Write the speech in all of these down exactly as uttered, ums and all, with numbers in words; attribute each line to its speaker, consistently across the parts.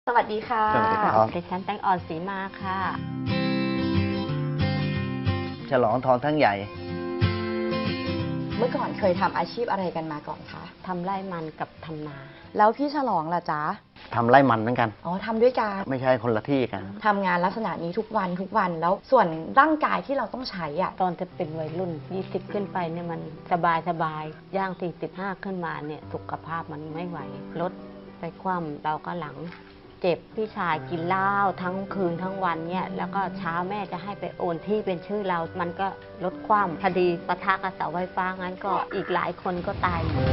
Speaker 1: สวัสดีค่ะ
Speaker 2: สวัสดีครับ
Speaker 1: ดิฉันแตงอ่อนศรีมาค่ะ
Speaker 2: ฉลองทองทั้งใหญ่
Speaker 3: เมื่อก่อนเคยทำอาชีพอะไรกันมาก่อนคะ
Speaker 1: ทำไร่มันกับทำนา
Speaker 3: แล้วพี่ฉลองล่ะจ๊ะ
Speaker 2: ทำไร่มันเหมือนกัน
Speaker 3: อ๋อทำด้วยกัน
Speaker 2: ไม่ใช่คนละที่กัน
Speaker 3: ทำงานลักษณะนี้ทุกวันทุกวันแล้วส่วนร่างกายที่เราต้องใช้อ่ะ
Speaker 1: ตอนจะเป็นวัยรุ่นยี่สิบขึ้นไปเนี่ยมันสบายสบายย่างสี่สิบห้าขึ้นมาเนี่ยสุขภาพมันไม่ไหวลดไปคว่ำเราก็หลังเจ็บพี่ชายกินเหล้าทั้งคืนทั้งวันเนี่ยแล้วก็เช้าแม่จะให้ไปโอนที่เป็นชื่อเรามันก็ลดความคดีปะทะกับเสาไฟฟ้างั้นก็อีกหลายคนก็ตายหมด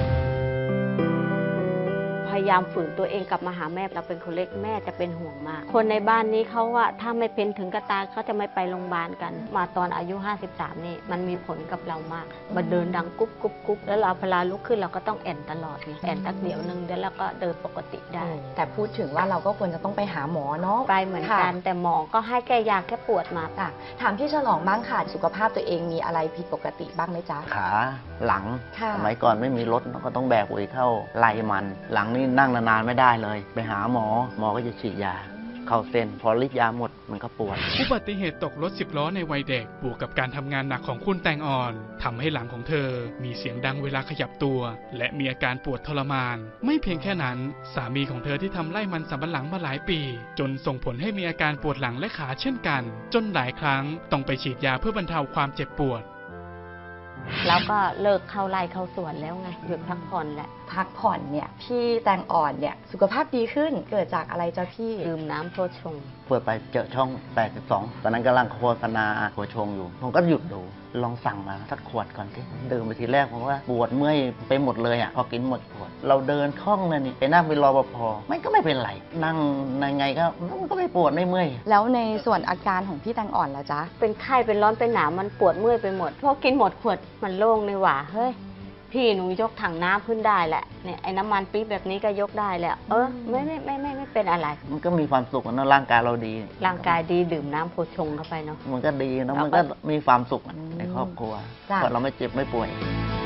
Speaker 1: พยายามฝืนตัวเองกลับมาหาแม่เราเป็นคนเล็กแม่จะเป็นห่วงมากคนในบ้านนี้เขาว่าถ้าไม่เป็นถึงกระตายเขาจะไม่ไปโรงพยาบาลกันมาตอนอายุห้าสิบสามนี่มันมีผลกับเรามากมาเดินดังกุ๊บกุ๊บกุ๊บแล้วเราพลาลุกขึ้นเราก็ต้องแอนตลอดไงแอนตักเดียวนึงเดี๋ยวเราก็เดินปกติได้
Speaker 3: แต่พูดถึงว่าเราก็ควรจะต้องไปหาหมอเนาะ
Speaker 1: ไปเหมือนกันแต่หมอก็ให้แก้ยาแค่ปวดมา
Speaker 3: ค่ะถามพี่ฉลองบ้างค่ะสุขภาพตัวเองมีอะไรผิดปกติบ้างไหมจ๊ะ
Speaker 2: ขาหลังสมัยก่อนไม่มีรถเราก็ต้องแบกปุ๋ยเข้าไร่มันหลังนี่นั่งนานๆไม่ได้เลยไปหาหมอหมอก็จะฉีดยาเข้าเส้นพอฤทธิ์ยาหมดมันก็ปวด
Speaker 4: อุบัติเหตุตกรถสิบล้อในวัยเด็กบวกกับการทำงานหนักของคุณแตงอ่อนทำให้หลังของเธอมีเสียงดังเวลาขยับตัวและมีอาการปวดทรมานไม่เพียงแค่นั้นสามีของเธอที่ทำไร่มันสำปะหลังมาหลายปีจนส่งผลให้มีอาการปวดหลังและขาเช่นกันจนหลายครั้งต้องไปฉีดยาเพื่อบรรเทาความเจ็บปวด
Speaker 1: แล้วก็เลิกเข้าไร่เข้าสวนแล้วไงหยุดพักผ่อนแหละ
Speaker 3: พักผ่อนเนี่ยพี่แตงอ่อนเนี่ยสุขภาพดีขึ้นเกิดจากอะไรจ๊ะพี่
Speaker 1: ดื่มน้ำโพชง
Speaker 2: เปิดไปเจอช่องแปดสิบสองตอนนั้นกำลังโฆษณาโพชงอยู่ผมก็หยุดดูลองสั่งมาสักขวดก่อนที่ดื่มไปทีแรกผมว่าปวดเมื่อยไปหมดเลยอ่ะพอกินหมดขวดเราเดินคล่องเลยนี่ไปนั่งเป็นรปภมันก็ไม่เป็นไรนั่งยังไงก็มันก็ไม่ปวดไม่เมื่อย
Speaker 3: แล้วในส่วนอาการของพี่แตงอ่อนล่ะจ๊ะ
Speaker 1: เป็นไข้เป็นร้อนเป็นหนาวมันปวดเมื่อยไปหมดพอกินหมดขวดมันโล่งเลยว่ะเฮ้ยพี่หนูยกถังน้ำขึ้นได้แหละเนี่ยไอ้น้ำมันปี๊บแบบนี้ก็ยกได้แหละเออไม่ไม่ไม่ไม่ไม่เป็นอะไร
Speaker 2: มันก็มีความสุขนะร่างกายเราดี
Speaker 1: ร่างกายดีดื่มน้ำโพชงเข้าไปเนาะ
Speaker 2: มันก็ดีนะมันก็มีความสุขในครอบครัวเพราะเราไม่เจ็บไม่ป่วย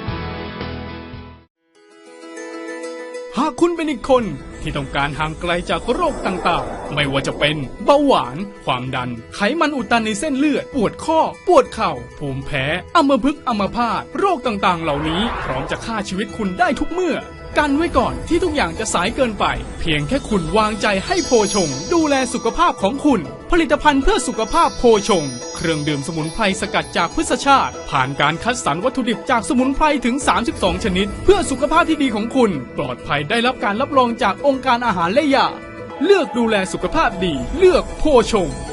Speaker 4: หากคุณเป็นอีกคนที่ต้องการห่างไกลจากโรคต่างๆไม่ว่าจะเป็นเบาหวานความดันไขมันอุดตันในเส้นเลือดปวดข้อปวดเข่าภูมิแพ้อัมพฤกษ์อัมพาตโรคต่างๆเหล่านี้พร้อมจะฆ่าชีวิตคุณได้ทุกเมื่อกันไว้ก่อนที่ทุกอย่างจะสายเกินไปเพียงแค่คุณวางใจให้โพชงดูแลสุขภาพของคุณผลิตภัณฑ์เพื่อสุขภาพโพชงเครื่องดื่มสมุนไพรสกัดจากพืชชาติผ่านการคัดสรรวัตถุดิบจากสมุนไพรถึงสามสิบสองชนิดเพื่อสุขภาพที่ดีของคุณปลอดภัยได้รับการรับรองจากองค์การอาหารและยาเลือกดูแลสุขภาพดีเลือกโพชง